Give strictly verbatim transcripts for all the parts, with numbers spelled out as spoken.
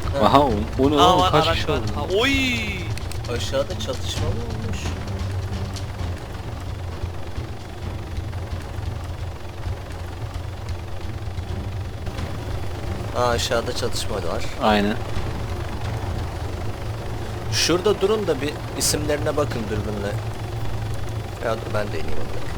Ha. Aha o, o ne Aa lan var, kaç araç kişi var. oldu? Ha, oy. Aşağıda çatışma mı olmuş? Aa, aşağıda çatışma var. Aynen. Şurada durun da bir isimlerine bakın dürbünle. Ya dur ben de ineyim onları.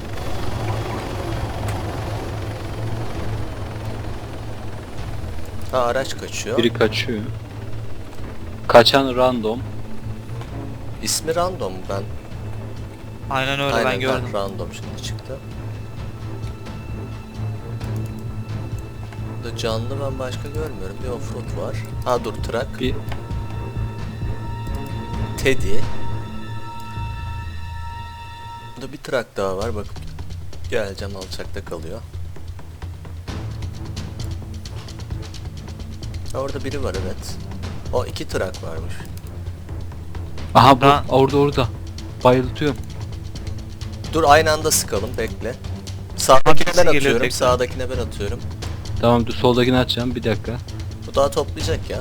Ha, araç kaçıyor. Biri kaçıyor. Kaçan random. İsmi random ben. Aynen öyle, Aynen ben gördüm. random şimdi çıktı. Burada canlı ben başka görmüyorum. Bir offroad var. Ha dur, truck. Bir Teddy. Burada bir truck daha var, bak. Geleceğim, alçakta kalıyor. Ha, orada biri var, evet. O iki truck varmış. aha bu Ha. orada orada. Bayıltıyorum. Dur, aynı anda sıkalım, bekle. Sağdakine Birisi ben geliyor atıyorum, tekrar. sağdakine ben atıyorum. Tamam dur soldakini açacağım bir dakika. Bu daha toplayacak ya.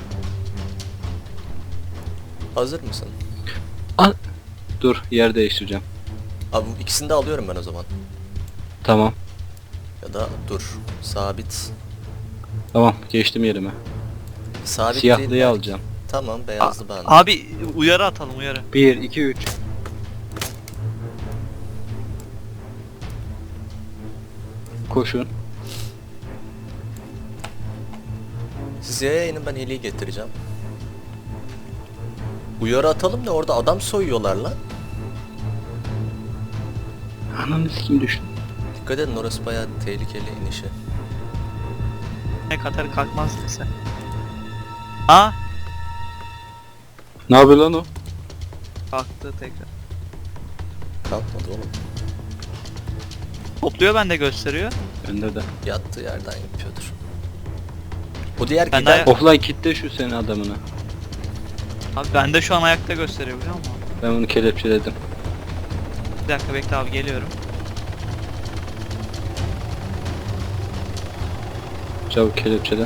Hazır mısın? An dur yer değiştireceğim. Abi bu ikisini de alıyorum ben o zaman. Tamam. Ya da dur, sabit. Tamam geçtim yerime. Sabit değil Siyahlıyı belki. alacağım. Tamam, beyazlı ben. Abi uyarı atalım, uyarı. bir iki üç. Koşun. Siz yaya inin, ben heliyi getireceğim. Uyarı atalım da orada adam soyuyorlar lan. Ananı kim düştü? Dikkat edin, orası bayağı tehlikeli inişi. Ne kadar kalkmaz sen. Ha? Ne yapıyor lan o? Kalktı tekrar. Kalkmadı oğlum. Topluyor, bende gösteriyor. Bende de. Yattığı yerden yapıyordur. Bu diğer Ben de giden... ayak- Offline kitle şu senin adamını. Abi bende şu an ayakta gösteriyor, biliyor musun? Ben bunu kelepçeledim. Bir dakika bekle abi, geliyorum. Çabuk kelepçele.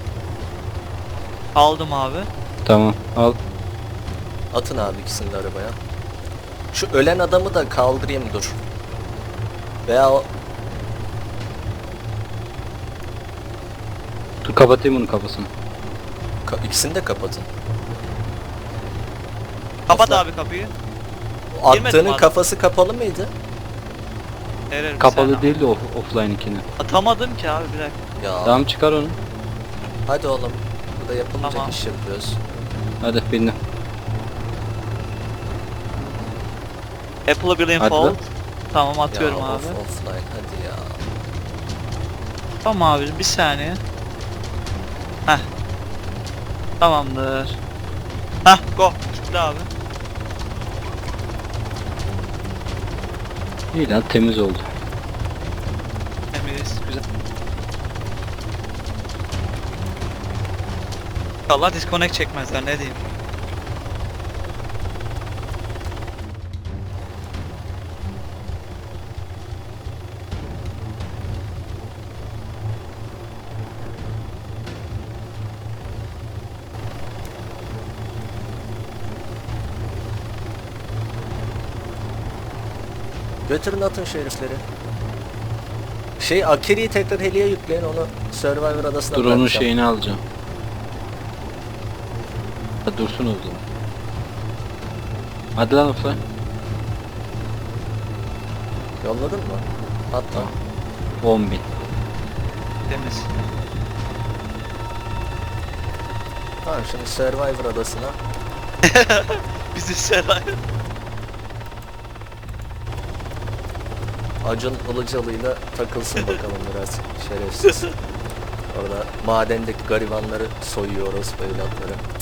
Aldım abi. Tamam al. Atın abi ikisini de arabaya. Şu ölen adamı da kaldırayım, dur. Veya o... Dur kapatayım onun kafasını. Ka- ikisini de kapatın. Kapat Aslında- abi kapıyı. O Girmedim attığının abi. kafası kapalı mıydı? Erer bir Kapalı saniye. değil de off offline ikini. Atamadım ki abi, bir dakika. Ya Tamam çıkar onu. hadi oğlum. Burada yapılmayacak Tamam. iş yapıyoruz. Hadi bindim. Apple'ı bilin Hadi fault. lan. Tamam, atıyorum ya, abi. Off, offline hadi ya. Tamam abi, bir saniye. Heh. Tamamdır. Heh, go. Gitti abi. İyi lan temiz oldu. Temiz, güzel. İnşallah disconnect çekmezler, ne diyeyim. Götürün, atın şu herifleri. Şey, Akiri'yi tekrar heliye yükleyin, onu Survivor adasına Dur onun bırakacağım. şeyini alacağım. Hadi dursun o zaman. Hadi lan offline. Yolladın mı? Hatta. on bin. Temiz. Tamam, şimdi Survivor adasına. Bizi sever. Acun Ilıcalı'yla takılsın bakalım biraz, şerefsiz. Orada madendeki garibanları soyuyor orospu evlatları.